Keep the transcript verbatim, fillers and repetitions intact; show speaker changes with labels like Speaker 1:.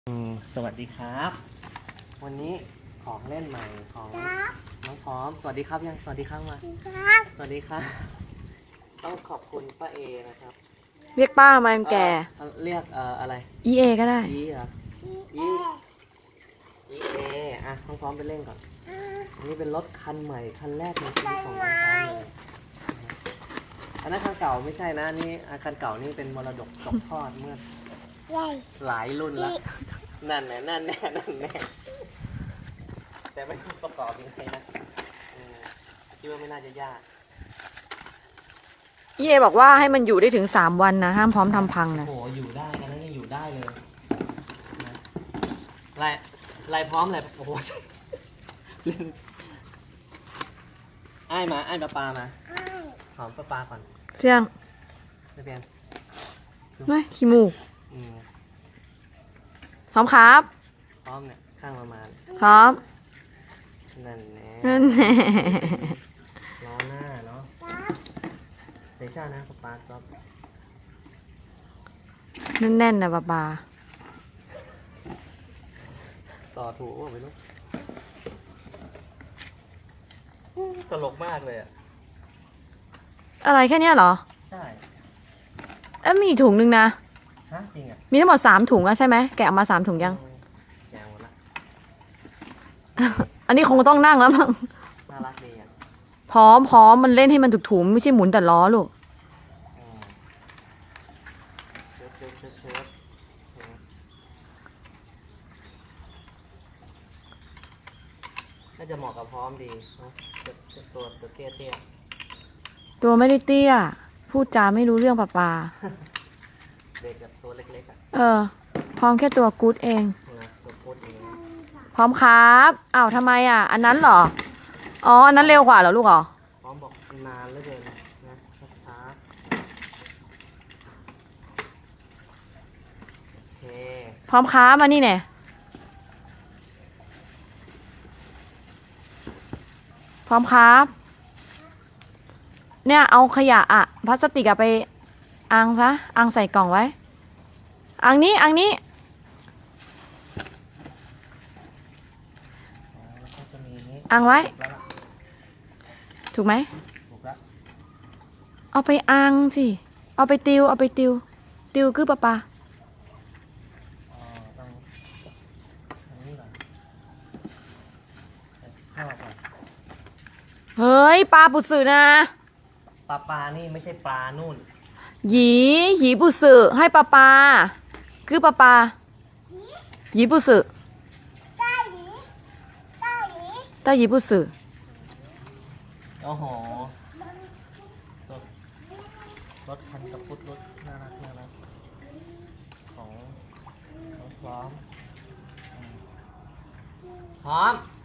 Speaker 1: อืมสวัสดีครับ วันนี้ของเล่นใหม่ของน้องพร้อมสวัสดีครับยังสวัสดีครับมาสวัสดีครับต้องขอบคุณป้าเอนะครับ
Speaker 2: เรียกป้ามาแก่
Speaker 1: เอ่อเรียกเอ่ออะไร
Speaker 2: อีเอก็ได้
Speaker 1: อีเหรออีอีเออ่ะน้องพร้อมไปเล่นก่อนอันนี้เป็นรถคันใหม่คันแรกในชีวิตของน้องพร้อมเลยอันนั้นคันเก่าไม่ใช่นะนี่อ่ะคันเก่านี่เป็นมรดกตกทอดเมื่อหลายรุ่นแล้วนั่นแน่นั่นแน่นั่นแน่แต่ไม่รู้ประกอบยังไงนะอืมคิดว่าไม่น่าจะยาก
Speaker 2: อีเอบอกว่าให้มันอยู่ได้ถึงสามวันนะห้ามพร้อมทำพังนะ
Speaker 1: โอ้โหอยู่ได้กันนั้นยังอยู่ได้เลยนะลายลายพร้อมเลยโอ้โหเล่นไอ้ายมาไอ้ายปลาปลามาหอมปลาปลาก่อน
Speaker 2: เสี่ยง
Speaker 1: ไม่เป็น
Speaker 2: ไม่ขี้มูก
Speaker 1: อืม
Speaker 2: พร้อมครับ
Speaker 1: พร้อมเนี่ยข้างประมาณ
Speaker 2: พร้อม
Speaker 1: นั่นแน่
Speaker 2: นั่นแหละ
Speaker 1: ล้อหน้าเนาะเซช่านะปลาปลาครับ
Speaker 2: แน่นๆนะป้าปา
Speaker 1: ต่อถูกว่าไม่รู้ตลกมากเลยอ่ะ
Speaker 2: อะไรแค่เนี้ยเหรอ
Speaker 1: ใช่
Speaker 2: เอ้ยมีอีกถุงนึงนะ
Speaker 1: ฮะจริงอ่ะ
Speaker 2: มีทั้งหมดสามถุงอะใช่ไหมแกะออกมาสามถุงยัง
Speaker 1: แกงหมดละ
Speaker 2: อันนี้คงต้องนั่งแล้วมั้ง
Speaker 1: น่ารักดีอ่ะ
Speaker 2: พร้อมพร้อมมันเล่นให้มันถูกๆไม่ใช่หมุนแต่ล้อลูก
Speaker 1: อืมเชิดเชิดเชิดเชิดอืมน่าจะเหมาะกับพร้อมดีเนอะจะจะตัวตัวเตี้ยเตี้ย
Speaker 2: ตัวไม่ได้เตี้ย พูดจาไม่รู้เรื่องป้าปา
Speaker 1: เด็กกับตัวเล็กๆอ่ะ
Speaker 2: เออ พร้อมแค่ตัวกู๊ดเอง
Speaker 1: นะตัวโคตรเอง
Speaker 2: พร้อมครับอ้าวทำไมอ่ะ อันนั้นเหรอ อ๋อ อันนั้นเร็วกว่าเหรอลูกเหรอ
Speaker 1: พร้อมบอกนานเหลือเกินนะช้าๆโอเค
Speaker 2: พร้อมครับมานี่เนี่ยพร้อมครับ เนี่ยเอาขยะอะพลาสติกอะไปอังซะอังใส่กล่องไว้ อังนี้อังนี้
Speaker 1: อ๋อแล้วก็จะมีนี้
Speaker 2: อังไว้
Speaker 1: แล้วล่ะ
Speaker 2: ถูกไหม
Speaker 1: ถูกแล้ว
Speaker 2: เอาไปอังสิ เอาไปติว เอาไปติว ติวคือปะปา
Speaker 1: อ๋อต้องอันนี้ก่อนให้มาก่อน
Speaker 2: เฮ้ยปลาปุสึนะ
Speaker 1: ปลาปลานี่ไม่ใช่ปลานู่น
Speaker 2: หยีหยีปุสึให้ปลาปลาคือปลาปลาหยีปุสึใต้หยีปุสึ
Speaker 1: โอ้โหรถรถคันกระพุดรถน่ารักน่ารักของของพร้อมอืมพร้อม